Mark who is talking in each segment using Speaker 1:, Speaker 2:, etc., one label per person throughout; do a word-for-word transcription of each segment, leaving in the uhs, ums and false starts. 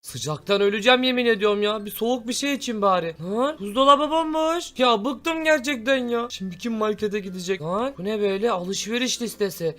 Speaker 1: Sıcaktan öleceğim yemin ediyorum ya. Bir soğuk bir şey için bari. Lan buzdolabı bomboş. Ya bıktım gerçekten ya. Şimdi kim markete gidecek? Lan bu ne böyle alışveriş listesi.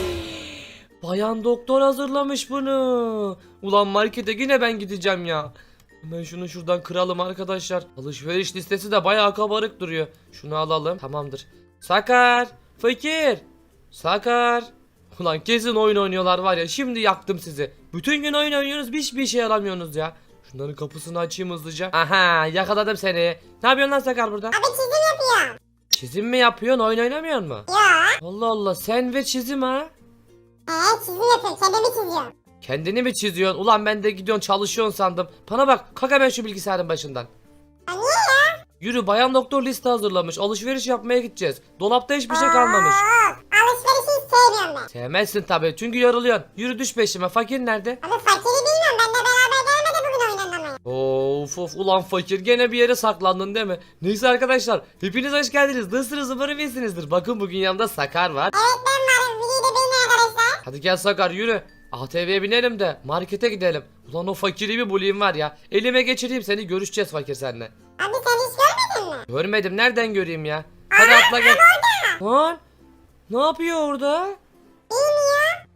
Speaker 1: Bayan doktor hazırlamış bunu. Ulan markete yine ben gideceğim ya. Hemen şunu şuradan kıralım arkadaşlar. Alışveriş listesi de bayağı kabarık duruyor. Şunu alalım. Tamamdır. Sakar. Fakir. Sakar. Ulan kesin oyun oynuyorlar var ya. Şimdi yaktım sizi. Bütün gün oyun oynuyorsunuz. Hiçbir işe yaramıyorsunuz ya. Şunların kapısını açayım hızlıca. Aha yakaladım seni. Ne yapıyorsun lan Sakar burada?
Speaker 2: Abi çizim yapıyorum.
Speaker 1: Çizim mi yapıyorsun? Oyun oynamıyor mu?
Speaker 2: Ya.
Speaker 1: Allah Allah sen ve çizim ha.
Speaker 2: He çizim yapıyorum. Kendimi çiziyorum.
Speaker 1: Kendini mi çiziyorsun? Ulan ben de gidiyorsun çalışıyorsun sandım. Bana bak kalk hemen şu bilgisayarın başından.
Speaker 2: Ya niye ya?
Speaker 1: Yürü bayan doktor liste hazırlamış. Alışveriş yapmaya gideceğiz. Dolapta hiçbir şey kalmamış.
Speaker 2: Oo, alışverişi hiç sevmiyorum ben.
Speaker 1: Sevmezsin tabii çünkü yoruluyorsun. Yürü düş peşime. Fakir nerede?
Speaker 2: Abi fakiri bilmiyorum. Benimle beraber gelmedi bugün oyun oynamaya.
Speaker 1: Of of ulan fakir gene bir yere saklandın değil mi? Neyse arkadaşlar hepiniz hoş geldiniz. Nasılsınız umarım iyisinizdir. Bakın bugün yanımda Sakar var.
Speaker 2: Evet ben varım. Videoyu da benim arkadaşlar.
Speaker 1: Hadi gel Sakar yürü. A T V'ye binelim de markete gidelim. Ulan o fakiri bir bulayım var ya. Elime geçireyim seni görüşeceğiz fakir seninle.
Speaker 2: Abi sen hiç görmedin mi?
Speaker 1: Görmedim nereden göreyim ya? Hadi atla gel. Lan ne yapıyor orada?
Speaker 2: Bilmiyor.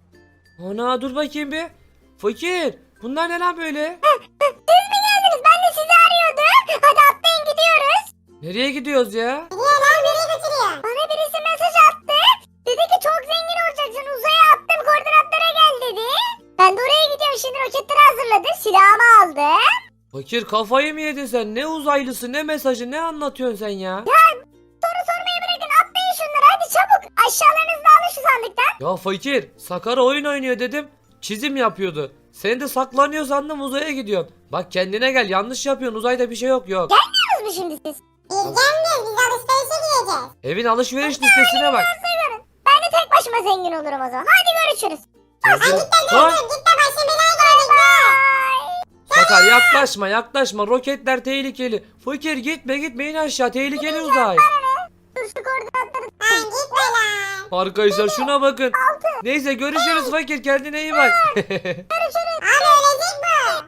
Speaker 1: Ana dur bakayım bir. Fakir bunlar ne lan böyle?
Speaker 2: Siz mi geldiniz? Ben de sizi arıyordum. Hadi atlayın gidiyoruz.
Speaker 1: Nereye gidiyoruz ya?
Speaker 2: Niye lan nereye götürüyor? Bana birisi mesaj attı. Dedi ki çok zengin olacaksın. Uzaya attım koordinatlara gel dedi. Ben de oraya gidiyorum şimdi roketleri hazırladım. Silahımı aldım.
Speaker 1: Fakir kafayı mı yedin sen? Ne uzaylısı ne mesajı ne anlatıyorsun sen ya?
Speaker 2: Soru sormayı bırakın atlayın şunları hadi çabuk. Aşağılarınızda alın şu sandıktan.
Speaker 1: Ya fakir Sakar oyun oynuyor dedim. Çizim yapıyordu. Sen de saklanıyor sandım uzaya gidiyorsun. Bak kendine gel yanlış yapıyorsun uzayda bir şey yok yok.
Speaker 2: Gelmiyoruz mu şimdi siz? Biz gelmiyoruz biz alışverişe gideceğiz.
Speaker 1: Evin alışveriş listesine bak.
Speaker 2: Seviyorum. Ben de tek başıma zengin olurum o zaman. Hadi görüşürüz.
Speaker 1: Yazın-
Speaker 2: Lan.
Speaker 1: Lan,
Speaker 2: Git de başım belaya girecek be.
Speaker 1: Sakar yaklaşma yaklaşma roketler tehlikeli. Fakir gitme gitme in aşağı tehlikeli uzay.
Speaker 2: Dur şu koordinatları. Lan gitme lan.
Speaker 1: Arkadaşlar şuna bakın. Neyse görüşürüz fakir kendine iyi bak.
Speaker 2: Abi ölecek bu.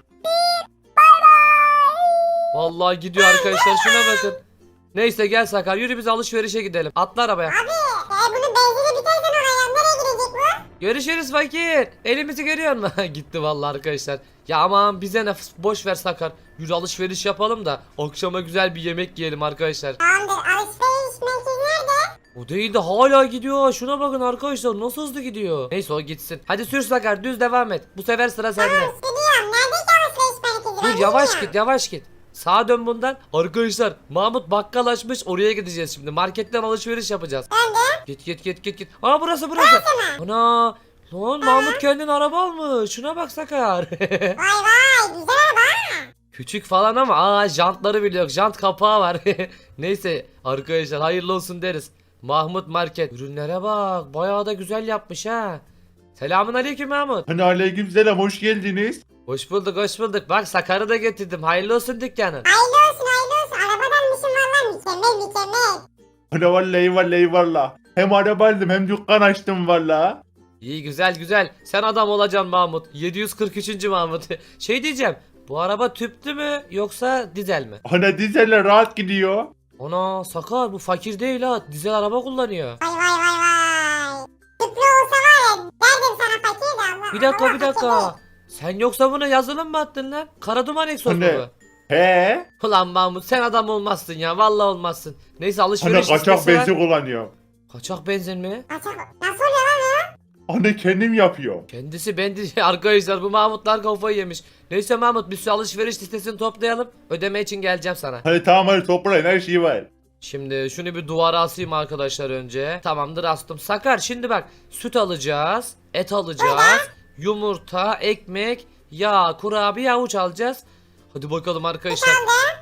Speaker 2: Bay bay.
Speaker 1: Vallahi gidiyor arkadaşlar şuna bakın. Neyse gel Sakar yürü biz alışverişe gidelim. Atla arabaya.
Speaker 2: Abi e, bunun benzini biterse ne olur? Nereye gidecek bu?
Speaker 1: Görüşürüz fakir. Elimizi görüyor musun? Gitti vallahi arkadaşlar. Ya aman bize ne boş ver Sakar. Yürü alışveriş yapalım da akşama güzel bir yemek yiyelim arkadaşlar.
Speaker 2: Tamamdır alışveriş merkezi nerede?
Speaker 1: O değil de hala gidiyor. Şuna bakın arkadaşlar nasıl hızlı gidiyor. Neyse o gitsin. Hadi sür Sakar düz devam et. Bu sefer sıra sende.
Speaker 2: Gidiyorum. Nerede ki alışveriş merkezi? Ben
Speaker 1: Dur yavaş
Speaker 2: bilmiyorum.
Speaker 1: git yavaş git. Sağa dön bundan. Arkadaşlar Mahmut bakkal açmış oraya gideceğiz şimdi. Marketten alışveriş yapacağız.
Speaker 2: Döndüm.
Speaker 1: Git git git git git. Aa burası burası. Ana. Lan Mahmut kendine araba almış. Şuna bak Sakar.
Speaker 2: Vay vay güzel araba.
Speaker 1: Küçük falan ama aa jantları bile yok. Jant kapağı var. Neyse arkadaşlar hayırlı olsun deriz. Mahmut Market. Ürünlere bak. Bayağı da güzel yapmış ha. Selamun aleyküm Mahmut.
Speaker 3: Hani aleykümselam hoş geldiniz.
Speaker 1: Hoş bulduk hoş bulduk. Bak Sakar'ı da getirdim. Hayırlı olsun dükkanın.
Speaker 2: Hayırlı olsun hayırlı olsun. Arabadan mışım valla mükemmel mükemmel.
Speaker 3: Hani vallahi vallahi valla. Hem araba aldım hem dükkan açtım valla.
Speaker 1: İyi güzel güzel. Sen adam olacaksın Mahmut. yedi yüz kırk üçüncü Mahmut. Şey diyeceğim. Bu araba tüplü mü yoksa dizel mi?
Speaker 3: Hani dizelle rahat gidiyor.
Speaker 1: Ana Sakar bu fakir değil ha. Dizel araba kullanıyor.
Speaker 2: Vay vay vay vay. Tüplü olsa var ya derdim sana fakir de Allah.
Speaker 1: Bir dakika
Speaker 2: Allah
Speaker 1: bir
Speaker 2: fakir
Speaker 1: dakika. Sen yoksa buna yazılım mı attın lan? Karaduman egzoz mu
Speaker 3: Hani-
Speaker 1: bu?
Speaker 3: He?
Speaker 1: Ulan Mahmut sen adam olmazsın ya. Vallahi olmazsın. Neyse
Speaker 3: Hani
Speaker 1: alışveriş
Speaker 3: kaçak
Speaker 1: listesi var.
Speaker 3: benzin kullanıyor.
Speaker 1: Kaçak benzin mi?
Speaker 2: değil. Kaçak. Nasıl oluyor lan o?
Speaker 3: Hani kendim yapıyor.
Speaker 1: Kendisi bendi arkadaşlar bu Mahmutlar kafayı yemiş. Neyse Mahmut biz şu alışveriş listesini toplayalım. Ödeme için geleceğim sana.
Speaker 3: Hani tamam hadi toplayın her şey var.
Speaker 1: Şimdi şunu bir duvara asayım arkadaşlar önce. Tamamdır astım. Sakar şimdi bak süt alacağız. Et alacağız. Yumurta, ekmek, yağ, kurabiye, avuç alacağız. Hadi bakalım arkadaşlar.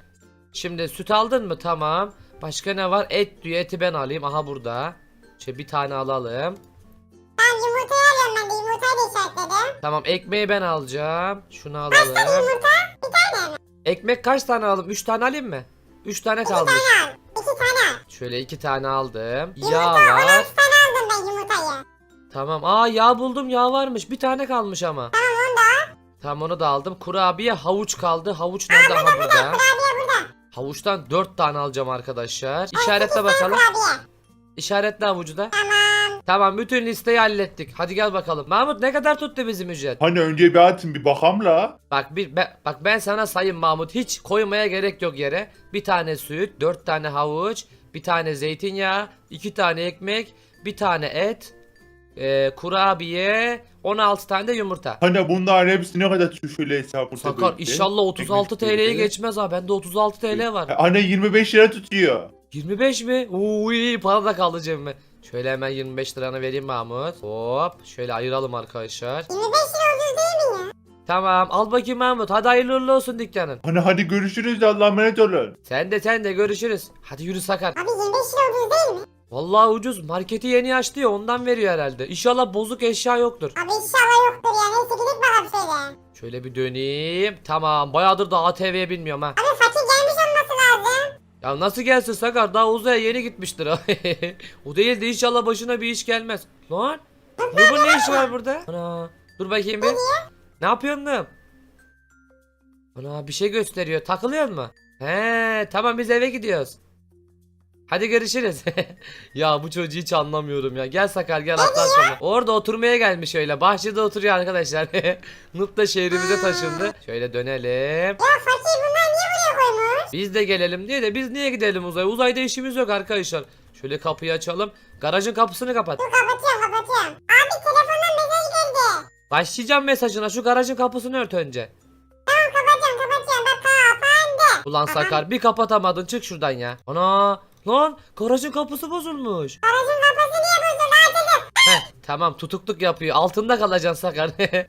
Speaker 1: Şimdi süt aldın mı? Tamam. Başka ne var? Et diyor. Eti ben alayım. Aha burada. Şöyle bir tane alalım.
Speaker 2: Tamam yumurtayı alıyorum ben de yumurtayı da işaretledim.
Speaker 1: Tamam ekmeği ben alacağım. Şunu
Speaker 2: Kaç tane
Speaker 1: alalım.
Speaker 2: yumurta? Bir tane mi?
Speaker 1: Ekmek kaç tane alalım? üç tane alayım mı? üç tane kalmış.
Speaker 2: Al. İki tane al.
Speaker 1: Şöyle iki tane aldım.
Speaker 2: Yumurta
Speaker 1: Yağ
Speaker 2: on
Speaker 1: var.
Speaker 2: altı tane aldım ben yumurtayı.
Speaker 1: Tamam. Aa yağ buldum. Yağ varmış. Bir tane kalmış ama.
Speaker 2: Tamam onu da al.
Speaker 1: Tamam onu da aldım. Kurabiye havuç kaldı. Havuç nerede? Ha burada.
Speaker 2: Kurabiye burada.
Speaker 1: Havuçtan dört tane alacağım arkadaşlar. İşaretle bakalım.
Speaker 2: Kurabiye.
Speaker 1: İşaretle havucu da.
Speaker 2: Tamam.
Speaker 1: Tamam bütün listeyi hallettik. Hadi gel bakalım. Mahmut ne kadar tuttu bizim ücret?
Speaker 3: Hani önce bir atın bir bakam la.
Speaker 1: Bak bir be- bak ben sana sayayım Mahmut. Hiç koymaya gerek yok yere. Bir tane süt, dört tane havuç, bir tane zeytinyağı, iki tane ekmek, bir tane et, e, kurabiye, on altı tane de yumurta.
Speaker 3: Hani bunların hepsi ne kadar tutuyor şöyle hesabı.
Speaker 1: Sakar inşallah otuz altı T L'ye geçmez ha. Bende otuz altı T L var.
Speaker 3: Hani yirmi beş lira tutuyor.
Speaker 1: yirmi beş mi? Uy para da kaldı cebime. Şöyle hemen yirmi beş liranı vereyim Mahmut. Hop şöyle ayıralım arkadaşlar.
Speaker 2: yirmi beş lira ucuz değil mi ya?
Speaker 1: Tamam al bakayım Mahmut. Hadi hayırlı uğurlu olsun dükkanın.
Speaker 3: Hani hadi görüşürüz de Allah'a emanet olun.
Speaker 1: Sen de sen de görüşürüz. Hadi yürü Sakar.
Speaker 2: Abi yirmi beş lira ucuz değil mi?
Speaker 1: Vallahi ucuz. Marketi yeni açtı ya ondan veriyor herhalde. İnşallah bozuk eşya yoktur.
Speaker 2: Abi inşallah yoktur ya. Neyse gidip bakalım şöyle.
Speaker 1: Şöyle bir döneyim. Tamam bayağıdır da A T V'ye binmiyorum ha.
Speaker 2: Abi fakir gelmiş olması lazım.
Speaker 1: Ya nasıl gelsin Sakar? Daha uzaya yeni gitmiştir. O değil de inşallah başına bir iş gelmez. Lan? Bunun ne işi var burada? Ana. Dur bakayım bir. Ne yapıyorsun lan? Ana bir şey gösteriyor. Takılıyor mu? He tamam biz eve gidiyoruz. Hadi görüşürüz. Ya bu çocuğu hiç anlamıyorum ya. Gel Sakar gel atlan sonra. Orada oturmaya gelmiş öyle. Bahçede oturuyor arkadaşlar. Nup da şehrimize taşındı. Şöyle dönelim.
Speaker 2: Ya fakir bunlar niye buraya koymuş?
Speaker 1: Biz de gelelim diye de biz niye gidelim uzaya? Uzayda işimiz yok arkadaşlar. Şöyle kapıyı açalım. Garajın kapısını kapat.
Speaker 2: Dur kapatıyorum kapatıyorum. Abi telefondan mesaj geldi.
Speaker 1: Başlayacağım mesajına. Şu garajın kapısını ört önce.
Speaker 2: Tamam kapatıyorum kapatıyorum. Bak kapandı.
Speaker 1: Ulan Sakar bir kapatamadın. Çık şuradan ya. Ana. Lan garajın kapısı bozulmuş.
Speaker 2: Aracın kafası niye bozuldu? Açıldı.
Speaker 1: Heh, tamam tutukluk yapıyor. Altında kalacaksın Sakar.
Speaker 2: Eee.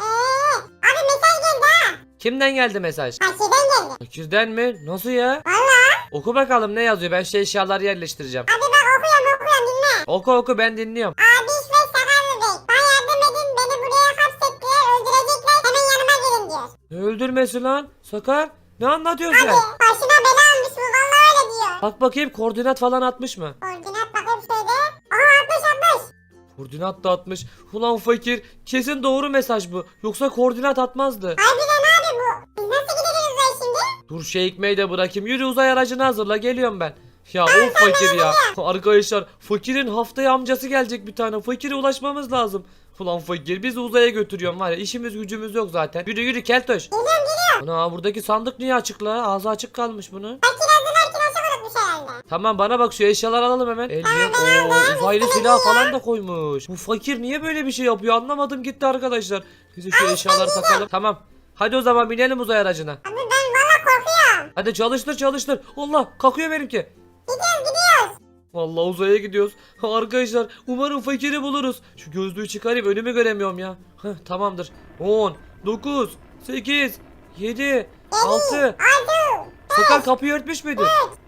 Speaker 2: Abi mesaj geldi ha.
Speaker 1: Kimden geldi mesaj?
Speaker 2: Fakirden geldi.
Speaker 1: Fakirden mi? Nasıl ya?
Speaker 2: Valla.
Speaker 1: Oku bakalım ne yazıyor. Ben şu eşyaları yerleştireceğim.
Speaker 2: Abi bak okuyorum okuyorum dinle.
Speaker 1: Oku oku ben dinliyorum.
Speaker 2: Abi ve Sakarlı Bey. Bana yardım edin. Beni buraya hapsettiler. Öldürecekler. Hemen yanıma gelin diyor.
Speaker 1: Ne öldürmesi lan? Sakar ne anlatıyorsun sen?
Speaker 2: Abi başına bela almış bu. Valla öyle diyor.
Speaker 1: Bak bakayım koordinat falan atmış mı?
Speaker 2: Koordinat bakayım şöyle. Aha atmış atmış.
Speaker 1: Koordinat da atmış. Ulan fakir kesin doğru mesaj bu. Yoksa koordinat atmazdı.
Speaker 2: Harbiden abi bu. Biz nasıl gideceğiz uzaya şimdi?
Speaker 1: Dur şey ekmeği de bırakayım. Yürü uzay aracını hazırla geliyorum ben. Ya of fakir ya. Arkadaşlar fakirin haftaya amcası gelecek bir tane. Fakire ulaşmamız lazım. Ulan fakir bizi uzaya götürüyorum var ya işimiz gücümüz yok zaten. Yürü yürü keltoş.
Speaker 2: Geliyorum geliyorum.
Speaker 1: Ana buradaki sandık niye açık la? Ağzı açık kalmış bunun.
Speaker 2: Fakir hazırlarken aşağı unutmuş herhalde.
Speaker 1: Tamam bana bak şu eşyaları alalım hemen. El yok. Oo, uzaylı silah falan da koymuş. Bu fakir niye böyle bir şey yapıyor anlamadım gitti arkadaşlar. Biz şu eşyaları takalım. Tamam. Hadi o zaman binelim uzay aracına.
Speaker 2: Abi ben valla korkuyorum.
Speaker 1: Hadi çalıştır çalıştır. Allah kalkıyor benimki.
Speaker 2: Gidiyoruz gidiyoruz.
Speaker 1: Vallahi uzaya gidiyoruz. Arkadaşlar umarım fakiri buluruz. Şu gözlüğü çıkarayım önümü göremiyorum ya. Heh, tamamdır. on, dokuz, sekiz, yedi, altı.
Speaker 2: Altı.
Speaker 1: Sakar kapıyı örtmüş müydün?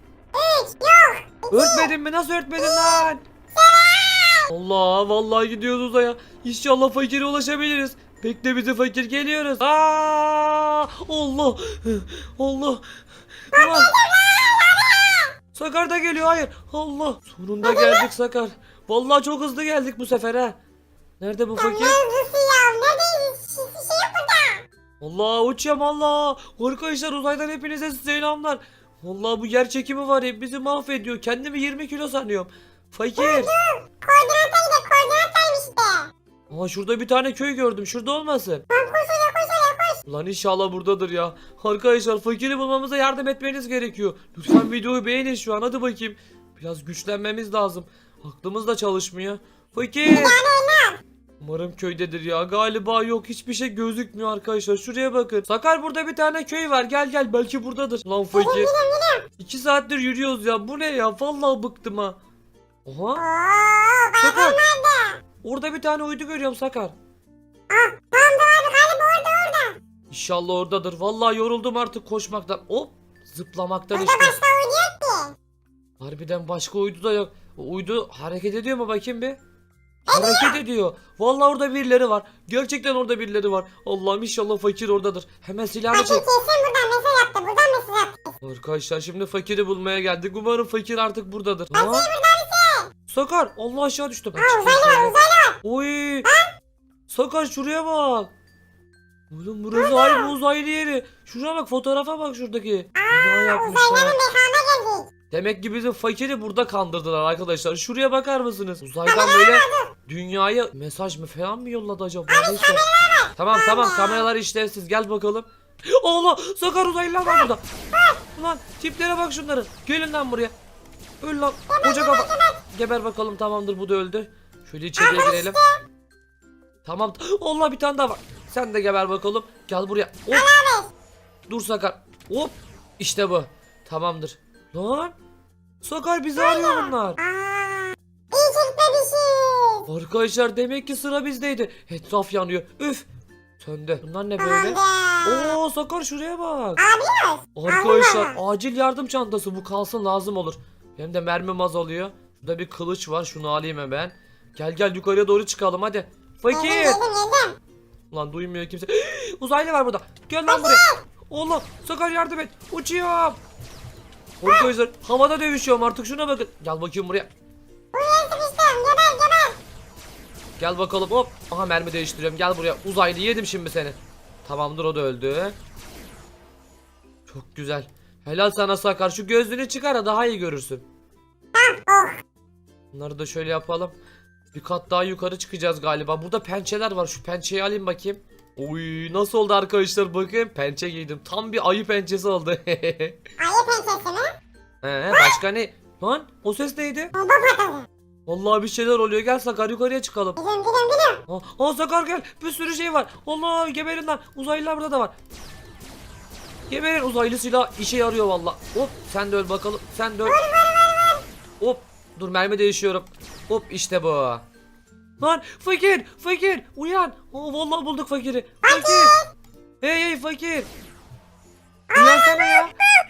Speaker 2: Üç. Yok.
Speaker 1: Örtmedin mi? Nasıl örtmedin lan? Allah vallahi gidiyoruz uzaya. İnşallah fakire ulaşabiliriz. Bekle bizi fakir geliyoruz. Aa! Allah! Allah! Ulan! Sakar da geliyor hayır. Allah! Sonunda geldik Sakar. Vallahi çok hızlı geldik bu sefer ha. Nerede bu fakir?
Speaker 2: Ne hızlısı ya? Neredeyiz? Hiçbir şey yok burada.
Speaker 1: Allah uçuyorum Allah. Arkadaşlar uzaydan hepinize selamlar. Vallahi bu yer çekimi var ya bizi mahvediyor. Kendimi yirmi kilo sanıyorum. Fakir.
Speaker 2: Koordinata gidelim. Koordinattaymış işte.
Speaker 1: Aa şurada bir tane köy gördüm. Şurada olmasın?
Speaker 2: Tamam koş oraya koş oraya koş.
Speaker 1: Lan inşallah buradadır ya. Arkadaşlar fakiri bulmamıza yardım etmeniz gerekiyor. Lütfen videoyu beğenin şu an. Hadi bakayım. Biraz güçlenmemiz lazım. Aklımız da çalışmıyor. Fakir. Umarım köydedir ya. Galiba yok. Hiçbir şey gözükmüyor arkadaşlar. Şuraya bakın. Sakar burada bir tane köy var. Gel gel. Belki buradadır. Lan fakir. İki saattir yürüyoruz ya. Bu ne ya? Vallahi bıktım ha. Oha.
Speaker 2: Oo,
Speaker 1: Sakar.
Speaker 2: bayram nerede?
Speaker 1: Orada bir tane uydu görüyorum Sakar.
Speaker 2: Ah tamam tamam abi galiba orada orada.
Speaker 1: İnşallah oradadır. Vallahi yoruldum artık koşmaktan. Hop. Zıplamaktan
Speaker 2: Burada
Speaker 1: işte.
Speaker 2: başka uydu yok ki.
Speaker 1: Harbiden başka uydu da yok. O uydu hareket ediyor mu bakayım bir? Hareket ediyor. Vallahi orada birileri var. Gerçekten orada birileri var. Allah'ım inşallah fakir oradadır. Hemen silahını
Speaker 2: Fakir
Speaker 1: çek.
Speaker 2: kesin buradan mesaj attı. Buradan mesaj attı.
Speaker 1: Arkadaşlar şimdi fakiri bulmaya geldik. Umarım fakir artık buradadır.
Speaker 2: Fakir
Speaker 1: Ha?
Speaker 2: burada mısın?
Speaker 1: Sakar Allah aşağı düştüm.
Speaker 2: Ha uzaylı var uzaylı var.
Speaker 1: Oy. Sakar şuraya bak. Oğlum burası harbi uzaylı yeri. Şuraya bak, fotoğrafa bak şuradaki. Bina yapmışlar.
Speaker 2: Uzaylıların mekana geldik.
Speaker 1: Demek ki bizim fakiri burada kandırdılar arkadaşlar. Şuraya bakar mısınız? Uzaydan böyle dünyaya mesaj mı falan mı yolladı acaba? Neyse. Tamam tamam, kameralar işlevsiz, gel bakalım. Allah, Sakar, uzaylılar var burada. Ulan tiplere bak şunların. Gelin lan buraya. Öl lan koca kafa. Geber bakalım, tamamdır, bu da öldü. Şöyle içeriye girelim. Tamam. Allah, bir tane daha var. Sen de geber bakalım. Gel buraya. Hop. Dur Sakar. Hop. İşte bu. Tamamdır. Lan. Sakar, bizi arıyor bunlar.
Speaker 2: Aa, iyi çekmemişiz.
Speaker 1: Arkadaşlar demek ki sıra bizdeydi. Etraf yanıyor. Üf. Söndü. Bunlar ne böyle?
Speaker 2: Tamamdır.
Speaker 1: Oo Sakar, şuraya bak.
Speaker 2: Abi
Speaker 1: Arkadaşlar acil yardım çantası, bu kalsın, lazım olur. Hem de mermim azalıyor. Şurada bir kılıç var, şunu alayım hemen. Gel gel, yukarıya doğru çıkalım hadi. Fakir.
Speaker 2: yedim yedim.
Speaker 1: Lan duymuyor kimse. Uzaylı var burada. Gel lan buraya. Allah, Sakar yardım et. Uçuyorum. Arkadaşlar havada dövüşüyorum artık, şuna bakın. Gel bakayım buraya.
Speaker 2: Buraya sıkıştım. Geber geber.
Speaker 1: Gel bakalım, hop. Aha, mermi değiştiriyorum, gel buraya. Uzaylı, yedim şimdi seni. Tamamdır, o da öldü. Çok güzel. Helal sana Sakar, şu gözlüğünü çıkar da daha iyi görürsün.
Speaker 2: Oh.
Speaker 1: Bunları da şöyle yapalım. Bir kat daha yukarı çıkacağız galiba. Burada pençeler var, şu pençeyi alayım bakayım. Oy, nasıl oldu arkadaşlar, bakın pençe giydim. Tam bir ayı pençesi oldu.
Speaker 2: Ayı pençesi mi?
Speaker 1: He, başka ne? Lan o ses neydi?
Speaker 2: Bomba patladı.
Speaker 1: Vallahi bir şeyler oluyor, gel Sakar, yukarıya çıkalım.
Speaker 2: Gidiyorum gidiyorum gidiyorum.
Speaker 1: Aa, aa Sakar gel, bir sürü şey var. Allah, geberin lan, uzaylılar burada da var. Geberin, uzaylı silah işe yarıyor valla. Hop, sen de öl bakalım, sen de öl. Hop, dur mermi değişiyorum. Hop, işte bu. Lan fakir, fakir uyan. Aa, vallahi bulduk fakiri. Fakir. Hey hey fakir. Uyansana ya.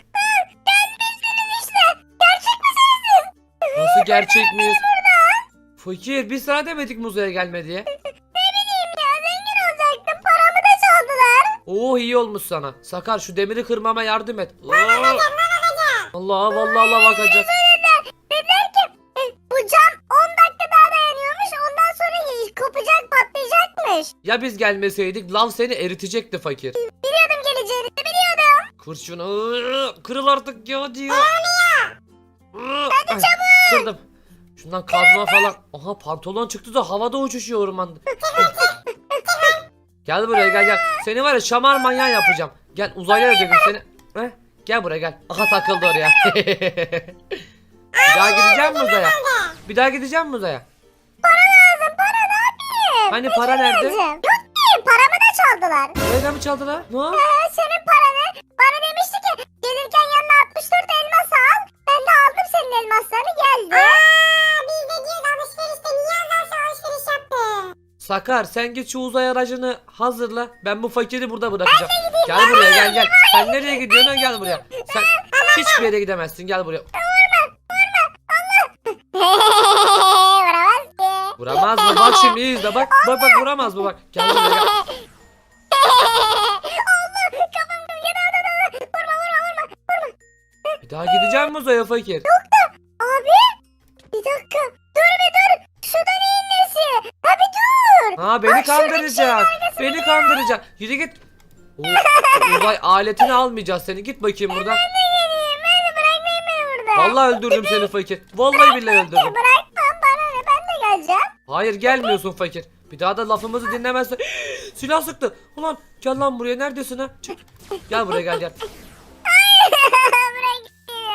Speaker 1: Nasıl gerçek miyiz? Fakir, biz sana demedik mi uzaya gelme diye?
Speaker 2: Olacaktım, paramı da çaldılar.
Speaker 1: Oo, iyi olmuş sana. Sakar, şu demiri kırmama yardım et. Aa. Allah vallahi Allah bakacak.
Speaker 2: Dediler ki e, bu cam on dakika daha dayanıyormuş. Ondan sonra kopacak, patlayacakmış.
Speaker 1: Ya biz gelmeseydik lav seni eritecekti fakir.
Speaker 2: Biliyordum geleceğini, biliyordum.
Speaker 1: Kır şunu. Iı, Kırıl artık ya diyor. Hadi çabuk. Kırdım. Şundan kazma falan. Aha, pantolon çıktı da havada uçuşuyor ormanda. Gel buraya, gel gel. Seni var ya şamar manyağı yapacağım. Gel, uzaylıya dedim seni. Heh, gel buraya gel. Aha, takıldı oraya. Bir daha gideceğim mi uzaya? Bir daha gideceğim mi uzaya?
Speaker 2: Para lazım, para ne yapayım?
Speaker 1: Hani para nerede?
Speaker 2: Yok ki, paramı da çaldılar.
Speaker 1: Nereden mi çaldılar? Ne?
Speaker 2: Ee, senin paranı, bana demişti ki gelirken yanına altmış dört elmas al. Ben de aldım senin elmaslarını, geldi. Aaa, biz de diyoruz alışverişte niye azalsa alışveriş yaptı?
Speaker 1: Sakar, sen git şu uzay aracını hazırla. Ben bu fakiri burada bırakacağım. Gel buraya, gel gel. Sen nereye gidiyorsun? Ha, gel buraya. Sen hiçbir yere gidemezsin. Gel buraya.
Speaker 2: Vuramaz ki.
Speaker 1: Vuramaz mı? Bak şimdi iyi izle. Bak bak bak, vuramaz mı? Bak. Gel buraya gel.
Speaker 2: Allah, kafam kırıldı. Vurma vurma vurma.
Speaker 1: Bir daha gideceğim mi uzaya fakir?
Speaker 2: Abi bir dakika. Dur bir dur. Sudan inmesi. Abi dur.
Speaker 1: Ha, beni kandıracak. Beni kandıracak. Yürü git. O, uzay aletini almayacağız seni. Git bakayım buradan.
Speaker 2: Geleyim. Beni bırakmayın beni burada.
Speaker 1: Vallahi öldürdüm seni fakir. Vallahi billahi öldürdüm.
Speaker 2: Bırakmam, bana ne, ben de geleceğim.
Speaker 1: Hayır, gelmiyorsun fakir. Bir daha da lafımızı dinlemezsen. Silah sıktı. Ulan gel lan buraya, neredesin ha? Çık. Gel buraya, gel gel.
Speaker 2: Bırak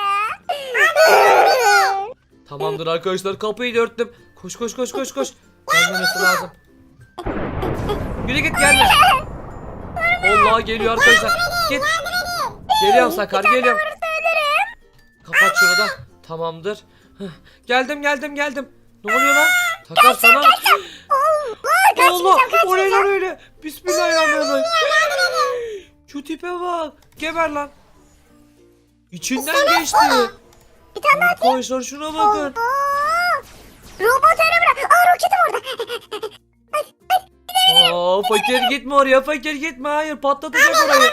Speaker 2: ya.
Speaker 1: Tamamdır arkadaşlar, kapıyı da örttüm. Koş koş koş koş koş. Gelmemesi lazım. Yürü git, gelme. Allah, geliyor arkadaşlar. Git. Geliyorum Sakar, geliyorum. Kapat şunu da. Tamamdır. Heh, geldim geldim geldim. Ne oluyor lan? Sakar sana. Allah, o ne lan öyle? Bismillahirrahmanirrahim. Şu tipe bak. Geber lan. İçinden geçti.
Speaker 2: Bir tane daha atayım.
Speaker 1: Arkadaşlar şuna bakın.
Speaker 2: Aa, robot araba. Aa, roketim orada.
Speaker 1: Aa, fakir gitme oraya, fakir gitme, hayır, patlatacak orayı.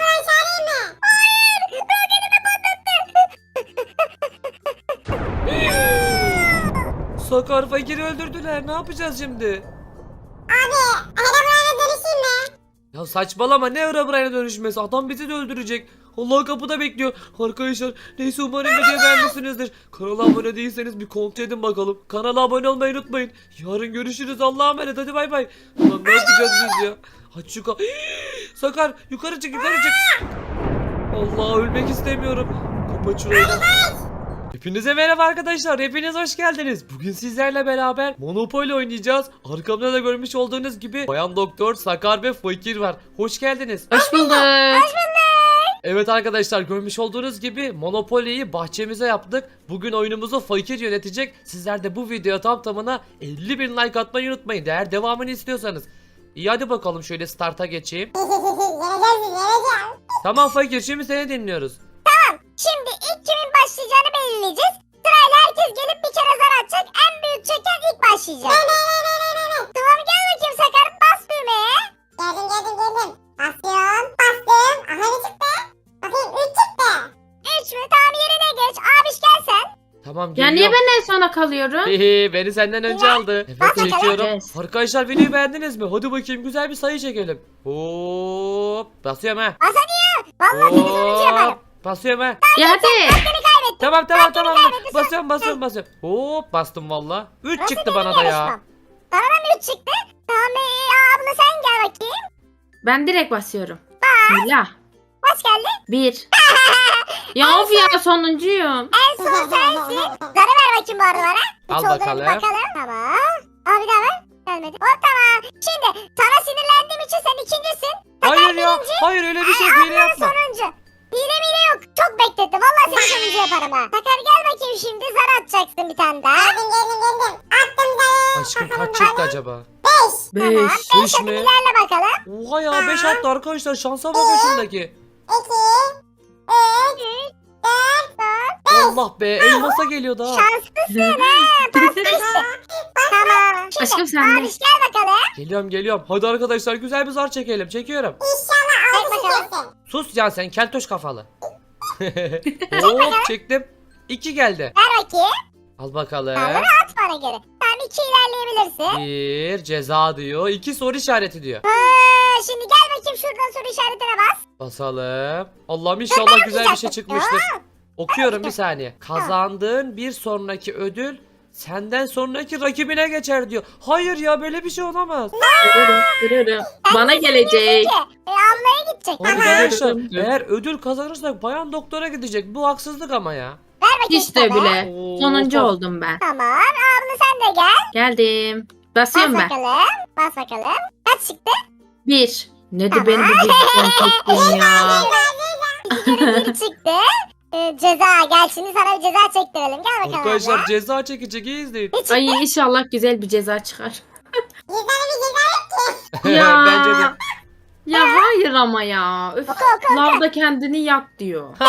Speaker 1: Sakar, fakiri öldürdüler, ne yapacağız şimdi?
Speaker 2: Abi, arabalara dönüşeyim mi?
Speaker 1: Ya Ya saçmalama, ne Herobrine'e dönüşmesi, adam bizi de öldürecek. Allah kapıda bekliyor. Arkadaşlar neyse, umarım video beğenmişsinizdir. Kanala abone değilseniz bir kontrol edin bakalım. Kanala abone olmayı unutmayın. Yarın görüşürüz, Allah'a emanet, hadi bay bay. Lan ne yapacağız biz ya? Aç şu ka- Sakar yukarı çık, yukarı çık. Allah, ölmek istemiyorum. Kapat şurayı da. Hepinize merhaba arkadaşlar, hepiniz hoş geldiniz. Bugün sizlerle beraber Monopoly oynayacağız. Arkamda da görmüş olduğunuz gibi Bayan Doktor, Sakar ve Fakir var. Hoş geldiniz.
Speaker 4: Hoş bulduk.
Speaker 1: Evet arkadaşlar, görmüş olduğunuz gibi Monopoly'yi bahçemize yaptık. Bugün oyunumuzu Fakir yönetecek. Sizler de bu videoya tam tamına elli bin like atmayı unutmayın, eğer devamını istiyorsanız. İyi, hadi bakalım şöyle start'a geçeyim. Tamam Fakir, şimdi seni dinliyoruz.
Speaker 2: Şimdi ilk kimin başlayacağını belirleyeceğiz. Sırayla herkes gelip bir kere zar atacak. En büyük çeken ilk başlayacak. Tamam, gel bakayım Sakar, bas düğmeye.
Speaker 5: Geldim geldim geldim. Basıyorum bastım. Aha ne çıktı? Bakayım üç çıktı.
Speaker 2: Üç mü? Tamam, yerine geç. Abiş gel sen.
Speaker 1: Tamam,
Speaker 4: Ya niye
Speaker 1: geliyorum.
Speaker 4: ben en sona kalıyorum?
Speaker 1: Hehe, beni senden önce aldı. Evet, çekiyorum.
Speaker 4: Evet.
Speaker 1: Arkadaşlar videoyu beğendiniz mi? Hadi bakayım, güzel bir sayı çekelim. Hop, basıyorum ha.
Speaker 2: Bas hadi ya. Vallahi seni sonucu yaparım.
Speaker 1: Hop, basıyorum ha.
Speaker 4: Ya hadi.
Speaker 1: Tamam tamam tamam. Basıyorum basıyorum basıyorum. Hop, bastım valla. üç
Speaker 2: Nasıl
Speaker 1: çıktı
Speaker 2: benim
Speaker 1: bana da ya.
Speaker 2: yarışmam? Bana da mı üç çıktı? Tamam, ee, abla sen gel bakayım.
Speaker 4: Ben direkt basıyorum. Bismillah.
Speaker 2: Bas geldi.
Speaker 4: Bir. Ya of ya, sonuncuyum.
Speaker 2: En son sensin. Zarı ver bakayım bu arada bana.
Speaker 1: Al
Speaker 2: Üç olduğunu
Speaker 1: bakalım.
Speaker 2: bir bakalım. Tamam. Abi bir daha ver. Gelmedi. Hop, tamam. Şimdi sana sinirlendiğim için sen ikincisin.
Speaker 1: Hayır ya. Hayır, öyle bir şey hile
Speaker 2: Abla
Speaker 1: yapma.
Speaker 2: sonuncu. Hile mile yok. Çok beklettim. Vallahi seni sonuncu yaparım ha. Sakar gel bakayım şimdi. Zar atacaksın bir tane daha.
Speaker 5: Geldim geldim geldim. Attım zarı.
Speaker 1: Aşkım kaç çıktı acaba?
Speaker 5: Beş.
Speaker 4: Beş.
Speaker 1: Beş mi?
Speaker 2: İlerle bakalım.
Speaker 1: Oha ya, beş attı arkadaşlar, şansa bakın şundaki.
Speaker 5: İki. Üç.
Speaker 1: Allah be, elmasa geliyor daha.
Speaker 2: Şanslısın ha. Pasta işte. Tamam. Şimdi
Speaker 4: Aşkım sen de.
Speaker 2: abiş gel bakalım.
Speaker 1: Geliyorum geliyorum. Hadi arkadaşlar, güzel bir zar çekelim. Çekiyorum.
Speaker 5: İnşallah altı
Speaker 2: Çek bakalım.
Speaker 5: çıkarsın.
Speaker 1: Sus ya sen, keltoş kafalı. Hop, çektim. İki geldi.
Speaker 2: Ver bakayım.
Speaker 1: Al bakalım.
Speaker 2: Tamam, at bana geri. Tamam, iki ilerleyebilirsin.
Speaker 1: Bir ceza diyor. İki soru işareti diyor.
Speaker 2: Ha, şimdi gel bakayım şuradan soru işaretine bas.
Speaker 1: Basalım. Allah'ım inşallah güzel bir şey çıkmıştır.
Speaker 2: Ya.
Speaker 1: Okuyorum bir saniye. Kazandığın bir sonraki ödül senden sonraki rakibine geçer diyor. Hayır ya, böyle bir şey olamaz.
Speaker 4: Görürüm, görürüm. Bana gelecek.
Speaker 2: Ki, e, ablaya gidecek.
Speaker 1: Arkadaşlar,
Speaker 4: Tamam.
Speaker 1: eğer ödül kazanırsak Bayan Doktor'a gidecek. Bu haksızlık ama ya.
Speaker 2: Ver bakayım
Speaker 4: Hiç de
Speaker 2: sana.
Speaker 4: bile.
Speaker 1: Oo,
Speaker 4: Sonuncu
Speaker 1: of.
Speaker 4: oldum ben.
Speaker 2: Tamam, abla sen de gel.
Speaker 4: Geldim.
Speaker 2: Bas
Speaker 4: Basıyorum ben.
Speaker 2: bakalım. Bas bakalım. Kaç çıktı?
Speaker 4: Bir. Ne de
Speaker 2: Tamam.
Speaker 4: beni bu bilgisayarın çektin ya.
Speaker 2: İki kere bir çıktı. E, ceza. Gel şimdi sana bir ceza çektirelim. Gel bakalım
Speaker 1: Arkadaşlar
Speaker 2: abla.
Speaker 1: ceza çekecek, iyi izleyin.
Speaker 2: Ne çıktı?
Speaker 4: Ay inşallah güzel bir ceza çıkar.
Speaker 5: Cezanı bir ceza yok ki.
Speaker 4: Ya.
Speaker 1: Bence de.
Speaker 4: Ya hayır ama ya. Öf.
Speaker 2: Oku oku.
Speaker 4: Lavda kendini yak diyor.
Speaker 2: Hop,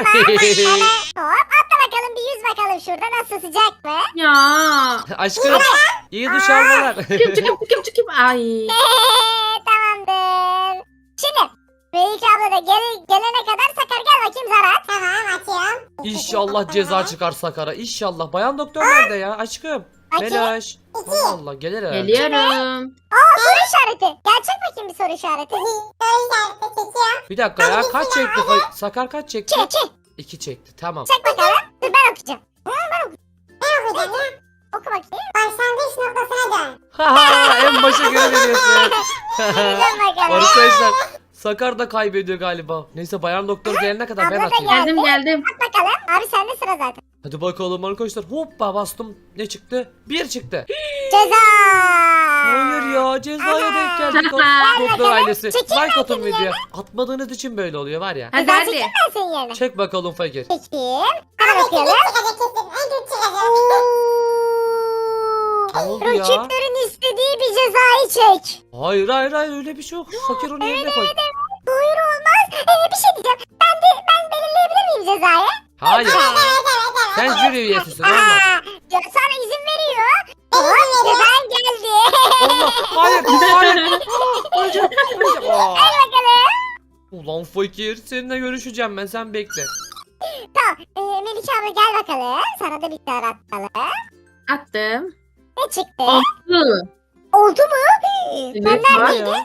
Speaker 2: atla bakalım bir yüz bakalım şurada, nasıl, sıcak mı?
Speaker 4: Ya.
Speaker 1: Aşkım, iyi duş almalar.
Speaker 4: Çıkıp çıkıp çıkıp çıkıp. Ay.
Speaker 2: Tamamdır. Şimdi Melike abla da gel, gelene kadar Sakar gel bakayım zar at.
Speaker 5: Tamam atıyorum.
Speaker 1: İnşallah ceza çıkar Sakar'a. İnşallah. Bayan Doktor nerede ya aşkım?
Speaker 2: Bakayım.
Speaker 1: Melaş. Allah Allah, gelir herhalde.
Speaker 4: Geliyorum.
Speaker 2: Aa, soru işareti. Gerçek bakayım bir soru işareti.
Speaker 5: Soru işareti çekiyorum.
Speaker 1: Bir dakika ya, kaç çekti? Sakar kaç çekti?
Speaker 2: Çek çek.
Speaker 1: İki çekti, tamam.
Speaker 2: Çek bakalım. Dur ben okuyacağım.
Speaker 5: Ne okuyacağım ya?
Speaker 2: Oku bakayım.
Speaker 5: Başlangıç noktasına dön.
Speaker 1: Haha, en başa geri veriyorsun.
Speaker 2: Dur bakalım.
Speaker 1: Arkadaşlar, Sakar da kaybediyor galiba. Neyse, Bayan Doktor gelene kadar ben
Speaker 2: Abla da
Speaker 1: atayım.
Speaker 2: gel.
Speaker 4: Geldim geldim.
Speaker 2: At bakalım. Abi sende sıra zaten.
Speaker 1: Hadi bakalım arkadaşlar. Hoppa bastım. Ne çıktı? Bir çıktı.
Speaker 2: Ceza.
Speaker 1: Hayır ya, cezaya denk geldik. Doktor ailesi.
Speaker 2: Çekil
Speaker 1: Like atın
Speaker 2: bakayım
Speaker 1: videoya. Atmadığınız için böyle oluyor var ya.
Speaker 4: Hadi
Speaker 2: Ceza
Speaker 4: hadi.
Speaker 2: çekeyim ben senin yerine.
Speaker 1: Çek bakalım Fakir.
Speaker 2: Çekeyim. Hadi
Speaker 5: Abi
Speaker 2: bakayım.
Speaker 5: küçük çıkacak kesin. En küçük çıkacak.
Speaker 1: Ne oldu ya?
Speaker 2: Rakiplerin istediği bir cezayı çek.
Speaker 1: Hayır hayır hayır, öyle bir şey yok. Fakir onu yerine koy.
Speaker 2: Buyur olmaz. Ee, bir şey diyeceğim. Ben de ben belirleyebilir miyim cezayı?
Speaker 1: Hayır.
Speaker 5: Evet evet evet.
Speaker 1: Sen jüri üyesisin, olmaz.
Speaker 2: Aa, ya sana izin veriyor. Hop, cezan geldi.
Speaker 1: Allah, hayır hayır. Aa, Öleceğim öleceğim. Aa.
Speaker 2: Hadi bakalım.
Speaker 1: Ulan Fakir, seninle görüşeceğim ben, sen bekle.
Speaker 2: Tamam. Ee, Melike abla gel bakalım. Sana da bir tane atalım.
Speaker 4: Attım.
Speaker 2: Ne çıktı?
Speaker 4: Altı.
Speaker 2: Oldu mu?
Speaker 4: Evet,
Speaker 2: Ben
Speaker 1: Ne
Speaker 2: neredeydim?
Speaker 1: ya?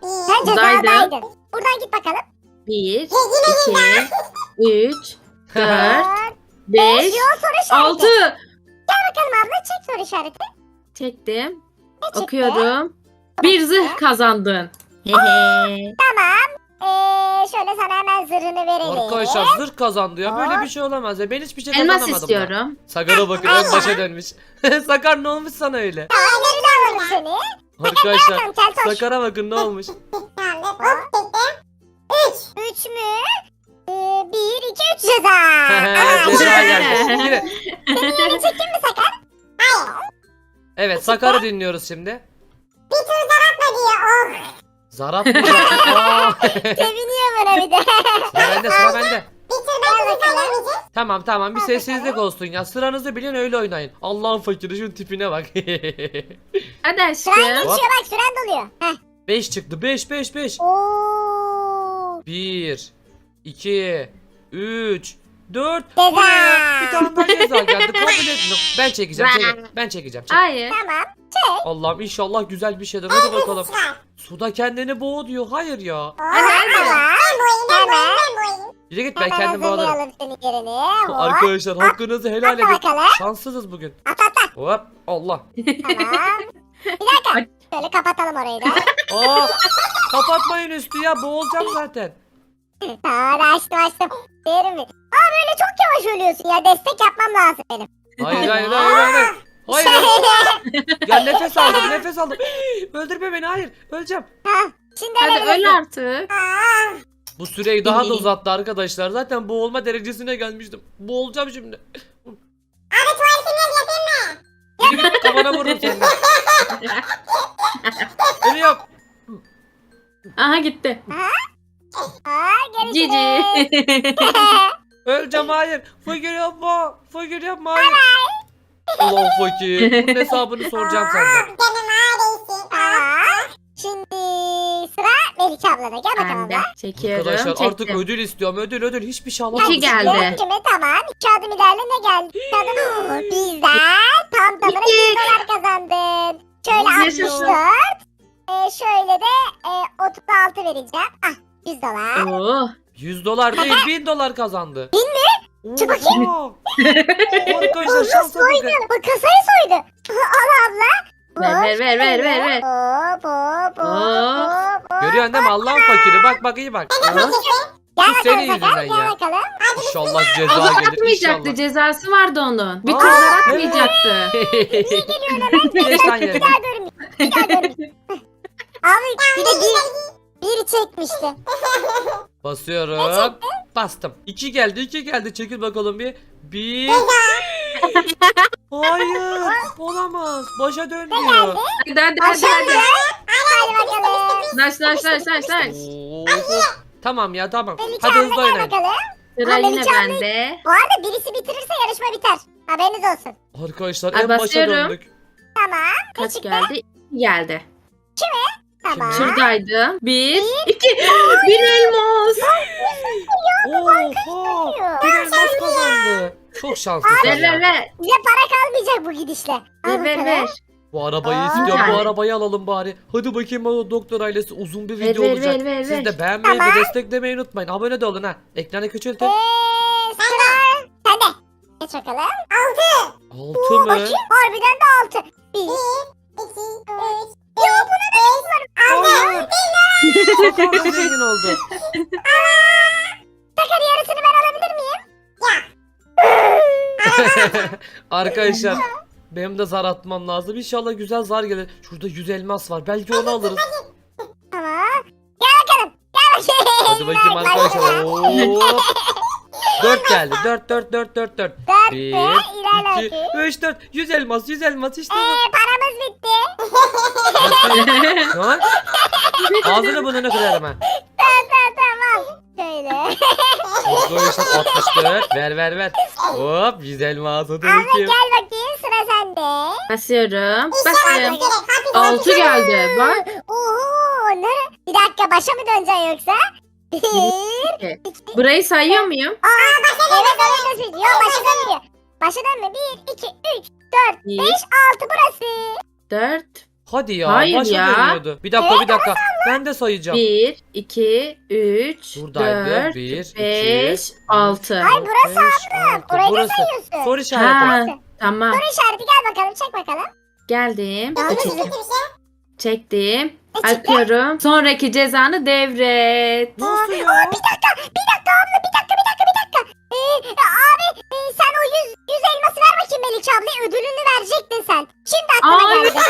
Speaker 2: Sen
Speaker 4: Buradaydım.
Speaker 2: cezadaydın. Buradan git bakalım.
Speaker 4: Bir,
Speaker 5: Ya yine
Speaker 4: iki, üç, dört,
Speaker 2: Dört,
Speaker 4: beş,
Speaker 2: Yol soru işareti.
Speaker 4: altı.
Speaker 2: Gel bakalım abla çek soru işareti.
Speaker 4: Çektim.
Speaker 2: Ne çıktı?
Speaker 4: Okuyorum. Bir zırh kazandın. Hehe.
Speaker 2: Tamam. Ee, şöyle sana hemen zırhını verelim.
Speaker 1: Arkadaşlar zırh kazandı ya. Böyle bir şey olamaz ya. Ben hiçbir şey
Speaker 4: Elmas
Speaker 1: kazanamadım.
Speaker 4: istiyorum.
Speaker 1: Da. Sakar'a bakın en başa dönmüş. Sakar ne olmuş sana öyle?
Speaker 2: Aynen öyle seni.
Speaker 1: Arkadaşlar
Speaker 2: Tamam kel taş.
Speaker 1: Sakar'a bakın ne olmuş.
Speaker 5: Tamam dur. Hop çektim. Üç.
Speaker 2: Üç mü? Ee, bir, iki, üç ceza.
Speaker 1: Ceza geldi. Yine.
Speaker 2: Senin çekeyim mi Sakar?
Speaker 1: Evet Sakar'ı dinliyoruz şimdi.
Speaker 5: Bir tur zaratma diyor. Oh.
Speaker 1: Zar atmayacak. Aa.
Speaker 2: Seviniyor bana bir de.
Speaker 1: Sıra bende sıra bende.
Speaker 5: Bir tur belki biz alamayacağız.
Speaker 1: Tamam tamam bir sessizlik olsun ya. Sıranızı bilin öyle oynayın. Allah'ın fakiri şunun tipine bak.
Speaker 4: Hadi
Speaker 2: Süren
Speaker 4: aşkım.
Speaker 2: geçiyor bak süren doluyor. Heh.
Speaker 1: beş çıktı beş beş beş.
Speaker 2: Oo.
Speaker 1: bir, iki, üç, dört.
Speaker 2: Ceza.
Speaker 1: Bu ne ya? Bir tane daha ceza geldi. Kabul etmiyorum. Ben çekeceğim. çekeceğim. Ben çekeceğim. Çek.
Speaker 4: Hayır.
Speaker 2: Tamam.
Speaker 1: Allah'ım inşallah güzel bir şeydir. Hadi bakalım.
Speaker 5: Çıkar.
Speaker 1: Suda kendini boğ diyor. Hayır ya.
Speaker 5: Oh.
Speaker 4: Hadi hadi.
Speaker 2: Tamam.
Speaker 5: Ben boyayım ben
Speaker 2: Hemen.
Speaker 5: boyayım ben boyayım.
Speaker 1: Yürü git ben
Speaker 2: Hemen
Speaker 1: kendim bağlarım.
Speaker 2: hazırlayalım senin yerini. Hop.
Speaker 1: Arkadaşlar hakkınızı helal
Speaker 2: Atla
Speaker 1: edin.
Speaker 2: bakalım.
Speaker 1: Şanssızız bugün.
Speaker 2: At at at.
Speaker 1: Hop Allah.
Speaker 2: Tamam. Bir dakika. Şöyle kapatalım orayı da.
Speaker 1: Aa, kapatmayın üstü ya boğulacağım zaten.
Speaker 2: Tamam açtım açtım. Derim mi? Aa böyle çok yavaş ölüyorsun ya. Destek yapmam lazım benim.
Speaker 1: Hayır hayır hayır hayır. Hayır. hayır. Ya nefes aldım nefes aldım. Öldürme beni hayır. Öleceğim.
Speaker 2: Ha, şimdi
Speaker 4: Hadi
Speaker 2: ölebilirsin.
Speaker 4: öl artık.
Speaker 5: Aa.
Speaker 1: Bu süreyi daha da uzattı arkadaşlar. Zaten boğulma derecesine gelmiştim. Boğulacağım şimdi.
Speaker 5: Abi tuvaletini yapayım mı?
Speaker 1: Yürü git kafana vururum seni. Ölüyorum.
Speaker 4: Aha gitti.
Speaker 2: Aa
Speaker 4: Cici.
Speaker 2: görüşürüz.
Speaker 1: Öleceğim hayır. Fakir yapma. Fakir yapma hayır. Ulan fakir. Bunun hesabını soracağım senden.
Speaker 5: Canım ağrıyorsun.
Speaker 2: Tamam. Şimdi sıra Melike ablada. Gel bakalım
Speaker 4: Ben de
Speaker 2: da.
Speaker 4: çekiyorum.
Speaker 1: Arkadaşlar artık
Speaker 4: Çektim.
Speaker 1: ödül istiyorum. Ödül ödül. Hiçbir şey
Speaker 4: İki
Speaker 1: alamadım.
Speaker 4: geldi.
Speaker 2: Kimi tamam. İki adım ilerle ne geldi? İki adım. Bizden tam tamına
Speaker 4: İki.
Speaker 2: yüz dolar kazandın. Şöyle
Speaker 4: Yaşasın.
Speaker 2: altmış dört. Ee, şöyle de e, otuz altı vereceğim. Ah yüz dolar.
Speaker 4: Oo.
Speaker 1: yüz dolar değil bin dolar kazandı.
Speaker 2: Bin mi? Çık bakayım.
Speaker 1: Oha! Arkadaşlar şansa bakın.
Speaker 2: Soydu. Bak kasayı soydu. Al abla.
Speaker 4: Ver, ver, ver, ver, ver, ver.
Speaker 2: Hop hop hop
Speaker 4: Hop.
Speaker 2: hop hop.
Speaker 1: Görüyorsun değil mi Allah'ın fakiri? Bak bak iyi bak.
Speaker 2: Gel
Speaker 1: Bu
Speaker 2: bakalım
Speaker 1: senin
Speaker 2: Sakar.
Speaker 1: yüzünden
Speaker 2: Gel
Speaker 1: ya.
Speaker 2: bakalım.
Speaker 1: İnşallah
Speaker 4: O
Speaker 1: ceza
Speaker 4: zar
Speaker 1: gelir.
Speaker 4: atmayacaktı.
Speaker 1: İnşallah.
Speaker 4: Cezası vardı onun. Bir
Speaker 1: Aa,
Speaker 4: tur zar atmayacaktı.
Speaker 1: Geç lan
Speaker 2: Bir
Speaker 1: yerine.
Speaker 2: daha görmeyeyim. Bir daha görmeyeyim. Abi bir de bir, bir çekmişti.
Speaker 1: Basıyorum. Bastım. İki geldi iki geldi. Çekil bakalım bir. Bir. Hayır. Olamaz. Başa dönmüyor.
Speaker 4: Hadi hadi hadi
Speaker 2: Aşağı
Speaker 4: hadi.
Speaker 2: Hadi bakalım.
Speaker 4: Naş naş naş naş naş.
Speaker 1: Oo. Tamam ya tamam.
Speaker 2: Melike
Speaker 1: Hadi
Speaker 2: abla
Speaker 1: hızlı
Speaker 2: gel
Speaker 1: oynayın.
Speaker 2: bakalım.
Speaker 4: Sıra
Speaker 2: Aa,
Speaker 4: yine
Speaker 2: Melike abla-
Speaker 4: bende.
Speaker 2: Bu arada birisi bitirirse yarışma biter. Haberiniz olsun.
Speaker 1: Arkadaşlar
Speaker 4: Ay,
Speaker 1: en başa
Speaker 4: basıyorum.
Speaker 1: döndük.
Speaker 2: Tamam.
Speaker 4: Kaç
Speaker 2: çıktı?
Speaker 4: geldi? İki geldi.
Speaker 2: Tamam.
Speaker 4: Şuradaydı. Bir, iki, bir elmas.
Speaker 1: Oha. Bir elmas kazandı. Çok şanslısın
Speaker 4: Ver ver
Speaker 1: ya.
Speaker 4: ver.
Speaker 2: Bize para kalmayacak bu gidişle. Al
Speaker 4: Ver ver
Speaker 2: bakalım.
Speaker 4: ver.
Speaker 1: Bu arabayı
Speaker 2: Aa.
Speaker 1: istiyorum. Bu
Speaker 4: Yani.
Speaker 1: arabayı alalım bari. Hadi bakayım o doktor ailesi uzun bir
Speaker 4: Ver,
Speaker 1: video
Speaker 4: ver,
Speaker 1: olacak.
Speaker 4: ver, ver,
Speaker 1: Siz
Speaker 4: ver.
Speaker 1: de beğenmeyi
Speaker 2: Tamam.
Speaker 1: ve desteklemeyi unutmayın. Abone de olun ha. Ekranı küçültün.
Speaker 2: Eee sıra sende. Geç bakalım.
Speaker 1: Altı mı?
Speaker 2: Bakayım. Harbiden de altı. Bir.
Speaker 5: İki, üç,
Speaker 2: Ya buna ne var?
Speaker 1: Hayır. Sakar da zengin oldu.
Speaker 2: Sakar yarısını ben alabilir miyim?
Speaker 1: Arkadaşlar benim de zar atmam lazım. İnşallah güzel zar gelir. Şurada yüz elmas var. Belki onu alırız.
Speaker 2: Tamam. Gel bakalım. Gel bakayım.
Speaker 1: Hadi bakayım
Speaker 2: Bak,
Speaker 1: arkadaşlar.
Speaker 2: bak,
Speaker 1: Hop. dört geldi. dört dört dört dört dört.
Speaker 2: Dört
Speaker 1: bir,
Speaker 2: ve ilerle
Speaker 1: iki,
Speaker 2: bakayım.
Speaker 1: üç, dört. yüz elmas, yüz elmas işte bu.
Speaker 2: Eee paramız bitti.
Speaker 1: Lan. Ağzını bunu ne kırarım ha.
Speaker 2: Tamam tamam tamam. Şöyle.
Speaker 1: Arkadaşlar altmış dört. Ver ver ver. Hop yüz elmas. Hadi
Speaker 2: Abla
Speaker 1: bakayım.
Speaker 2: gel bakayım sıra sende.
Speaker 4: Basıyorum.
Speaker 5: İnşallah
Speaker 4: Basıyorum.
Speaker 5: direkt hapis
Speaker 4: Altı geldi. Bak.
Speaker 2: Oo ne? Bir dakika başa mı döneceksin yoksa? Bir.
Speaker 4: Burayı sayıyor muyum?
Speaker 2: Aa başa evet öyle nasıl? Yok başa dönmüyor. Başa dönme. Bir, iki, üç, dört,
Speaker 4: Bir.
Speaker 2: beş, altı burası.
Speaker 4: Dört,
Speaker 1: Hadi ya.
Speaker 4: Hayır
Speaker 1: başa
Speaker 4: ya.
Speaker 1: dönüyordu. Bir dakika bir dakika. Ben de sayacağım.
Speaker 4: bir, iki, üç,
Speaker 1: Buradaydı.
Speaker 4: dört,
Speaker 1: bir,
Speaker 4: beş,
Speaker 1: iki,
Speaker 4: altı.
Speaker 2: Ay burası
Speaker 1: altı.
Speaker 2: Orayı da
Speaker 1: Burası.
Speaker 2: sayıyorsun.
Speaker 1: Soru işareti.
Speaker 4: Ha, tamam.
Speaker 2: Soru işareti gel bakalım çek bakalım.
Speaker 4: Geldim.
Speaker 5: Yalnız
Speaker 4: Çektim.
Speaker 5: kötü bir şey.
Speaker 4: Çektim.
Speaker 2: E, çıktı.
Speaker 4: Akıyorum. Sonraki cezanı devret.
Speaker 1: Nasıl ya?
Speaker 2: Aa, bir dakika bir dakika abla bir dakika bir dakika bir dakika. Ee, abi e, sen o yüz, yüz elması ver bakayım Melike abla ödülünü verecektin sen. Şimdi aklıma
Speaker 4: Ay.
Speaker 2: geldi.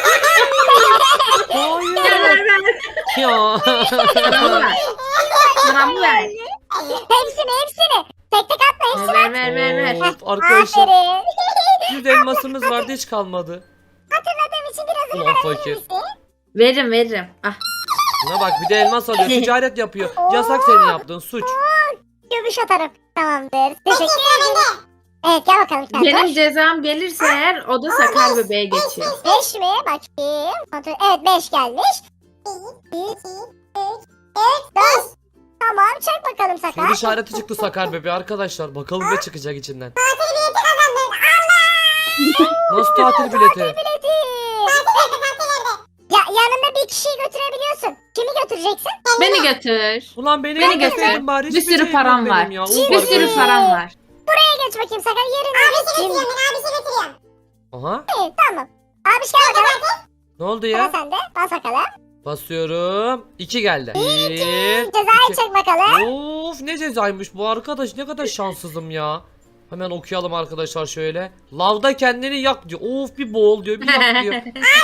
Speaker 1: Hayır. Ya.
Speaker 4: Paramı ver. Paramı ver.
Speaker 2: hepsini hepsini. Tek tek atma hepsini.
Speaker 4: Ver ver ver ver.
Speaker 1: Of, arkadaşlar
Speaker 2: Aferin.
Speaker 1: yüz elmasımız vardı hiç kalmadı.
Speaker 2: Hatırladığım için birazını
Speaker 1: Ulan
Speaker 2: verebilir
Speaker 1: fakir.
Speaker 2: misin?
Speaker 4: Veririm veririm. Ah.
Speaker 1: Buna bak bir de elmas alıyor. Ticaret yapıyor. Yasak senin yaptığın suç.
Speaker 2: Göbüş atarım. Tamamdır. Teşekkür ederim. Evet gel bakalım sen.
Speaker 4: Benim cezam gelirse eğer o da Sakar bebeğe geçiyor.
Speaker 2: beş mi? Bakayım. Kontrol- Evet beş gelmiş.
Speaker 5: Bir, iki, üç,
Speaker 2: dört. Tamam çek bakalım
Speaker 1: Soru
Speaker 2: Sakar.
Speaker 1: işareti çıktı Sakar bebeği arkadaşlar. Bakalım ne çıkacak içinden.
Speaker 5: tatil bileti kazandın. Allah!
Speaker 1: Nasıl tatil bileti?
Speaker 2: Bileti.
Speaker 5: Tatil nerede? Tatil nerede?
Speaker 2: Ya yanında bir kişiyi götürebiliyorsun. Kimi götüreceksin?
Speaker 4: Beni götür.
Speaker 1: Ulan beni
Speaker 4: Beni
Speaker 1: götürseydin
Speaker 4: götür.
Speaker 1: bari
Speaker 4: Bir
Speaker 1: hiçbir
Speaker 4: sürü
Speaker 1: şeyim
Speaker 4: param
Speaker 1: yok
Speaker 4: var.
Speaker 1: benim ya. Uf,
Speaker 2: Bir
Speaker 4: Bir
Speaker 1: arkadaş.
Speaker 4: sürü param var.
Speaker 2: Buraya geç bakayım Sakar yerine.
Speaker 5: Abisi
Speaker 2: Kim?
Speaker 5: götürüyorum ben. Abisi götürüyorum.
Speaker 1: Aha.
Speaker 2: İyi, tamam. Abi gel bakalım.
Speaker 1: Ne oldu
Speaker 2: Sıra
Speaker 1: ya?
Speaker 2: sende. Bas bakalım.
Speaker 1: Basıyorum. İki geldi. Bir.
Speaker 2: Cezayı
Speaker 1: iki.
Speaker 2: çek bakalım.
Speaker 1: Of ne cezaymış bu arkadaş. Ne kadar şanssızım ya. Hemen okuyalım arkadaşlar şöyle. Lavda kendini yak diyor. Of bir boğul diyor. Bir yak diyor.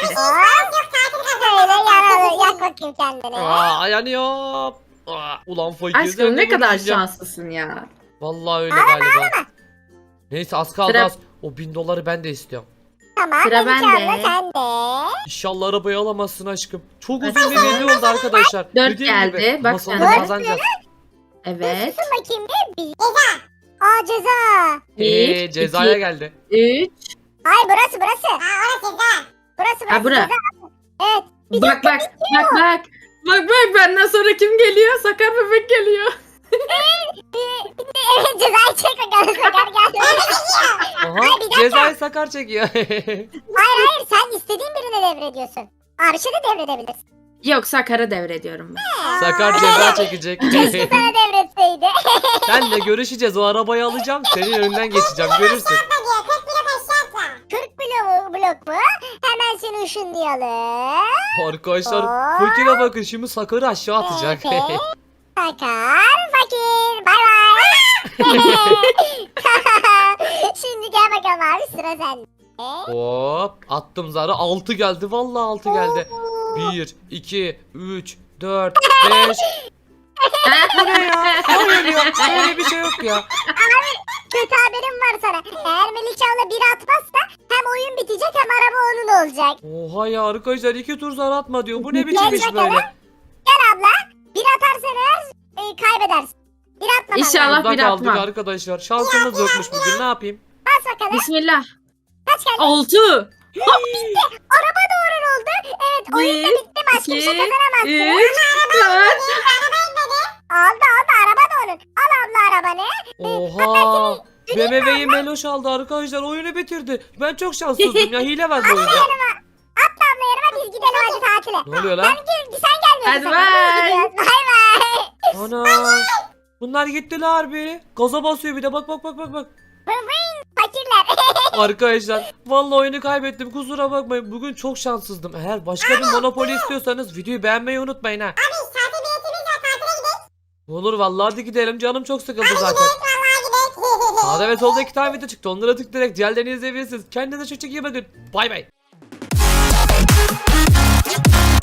Speaker 2: Böyle yaralı. Yak bakayım kendini.
Speaker 1: Aa yanıyor. Aa, ulan fakir. sen
Speaker 4: Aşkım
Speaker 1: de
Speaker 4: ne kadar
Speaker 1: konuşacağım.
Speaker 4: şanslısın ya.
Speaker 1: Vallahi öyle galiba. Neyse az kaldı
Speaker 4: Sıra-
Speaker 1: az. O bin doları ben de istiyorum.
Speaker 2: Tamam.
Speaker 4: Sıra
Speaker 2: Melike
Speaker 4: bende.
Speaker 2: abla sende.
Speaker 1: İnşallah arabayı alamazsın aşkım. Çok
Speaker 4: Hadi
Speaker 1: uzun bir video oldu arkadaşlar.
Speaker 4: Dört
Speaker 1: Dediğim
Speaker 4: geldi.
Speaker 1: gibi,
Speaker 4: Bak
Speaker 1: ama
Speaker 4: sen
Speaker 1: sonunda
Speaker 2: de.
Speaker 1: kazanacağız.
Speaker 4: Evet.
Speaker 2: Dur bakayım bir. bir. Aa ceza.
Speaker 4: Bir,
Speaker 1: Ee, cezaya
Speaker 4: iki,
Speaker 1: geldi.
Speaker 4: üç.
Speaker 2: Ay burası burası.
Speaker 5: Ha orası ceza.
Speaker 2: Burası burası.
Speaker 4: Ha bura.
Speaker 2: ceza. Evet. Bir
Speaker 4: Bak bak. Bak bak. Bak bak benden sonra kim geliyor? Sakar bebek geliyor.
Speaker 2: Evet cezayı çek bakalım Sakar gel.
Speaker 1: Aha cezayı Sakar çekiyor.
Speaker 2: Hayır hayır sen istediğin birine devrediyorsun. Arşa da devredebilirsin.
Speaker 4: Yok Sakar'a devrediyorum ben.
Speaker 1: Sakar ceza çekecek.
Speaker 2: Keşke sana devretseydi.
Speaker 1: Senle görüşeceğiz. O arabayı alacağım. Senin önünden geçeceğim. Görürsün.
Speaker 5: Atla diyor. kırk milyon aşağı atla.
Speaker 2: kırk blok, blok mu? Hemen seni ışınlayalım.
Speaker 1: Arkadaşlar
Speaker 2: Aa.
Speaker 1: fakire bakın. Şimdi Sakar'ı aşağı atacak.
Speaker 2: Evet. Sakar fakir. Bay bay. Şimdi gel bakalım abi sıra sende.
Speaker 1: Hop attım zarı. altı geldi. Vallahi altı geldi. bir, iki, üç, dört, beş. Bu ne ya? Hayır ya. Öyle bir şey yok ya.
Speaker 2: Kötü haberim var sana. Eğer Melike abla bir atmazsa hem oyun bitecek hem araba onun olacak.
Speaker 1: Oha ya arkadaşlar iki tur zar atma diyor. Bu ne biçim iş
Speaker 2: bakalım.
Speaker 1: böyle?
Speaker 2: Gel abla. Bir atarsan eğer e, kaybedersin. Bir atmaman
Speaker 4: İnşallah.
Speaker 2: lazım.
Speaker 1: Burada
Speaker 4: bir
Speaker 1: kaldık
Speaker 4: atmam.
Speaker 1: arkadaşlar. Şansımız yokmuş bugün. Ne yapayım?
Speaker 2: Bas bakalım.
Speaker 4: Bismillah.
Speaker 2: Kaç geldi?
Speaker 4: Altı.
Speaker 2: Araba doğru oldu. Evet oyun da
Speaker 4: Bir,
Speaker 2: bitti. Başka bir şey
Speaker 4: iki,
Speaker 2: kazanamazsın.
Speaker 4: Üç. Dört.
Speaker 2: Aldı aldı araba da onun. Al abla arabanı.
Speaker 1: Oha. B M W'yi Meloş aldı arkadaşlar. Oyunu bitirdi. Ben çok şanssızdım ya. Hile var bu oyunda.
Speaker 2: Atla abla yanıma biz gidelim hadi tatile.
Speaker 1: Ne oluyor lan?
Speaker 2: Sen, gel, sen gelmiyorsun.
Speaker 4: Hadi
Speaker 2: sen, biz
Speaker 4: bay.
Speaker 2: gidiyoruz. Bay bay.
Speaker 1: Ana. Bunlar gittiler harbi. Gaza basıyor bir de. Bak bak bak bak bak.
Speaker 2: Fakirler.
Speaker 1: Arkadaşlar vallahi oyunu kaybettim. Kusura bakmayın. Bugün çok şanssızdım. Eğer başka bir Monopoly istiyorsanız videoyu beğenmeyi unutmayın ha.
Speaker 5: Abi tatil biletimiz var. Tatile gidelim.
Speaker 1: Olur vallahi hadi gidelim. Canım çok sıkıldı zaten.
Speaker 5: Vallahi gidelim.
Speaker 1: Sağda ve solda iki tane video çıktı. Onlara tıklayarak diğerlerini izleyebilirsiniz. Kendinize çok çok iyi bakın. Bay bay.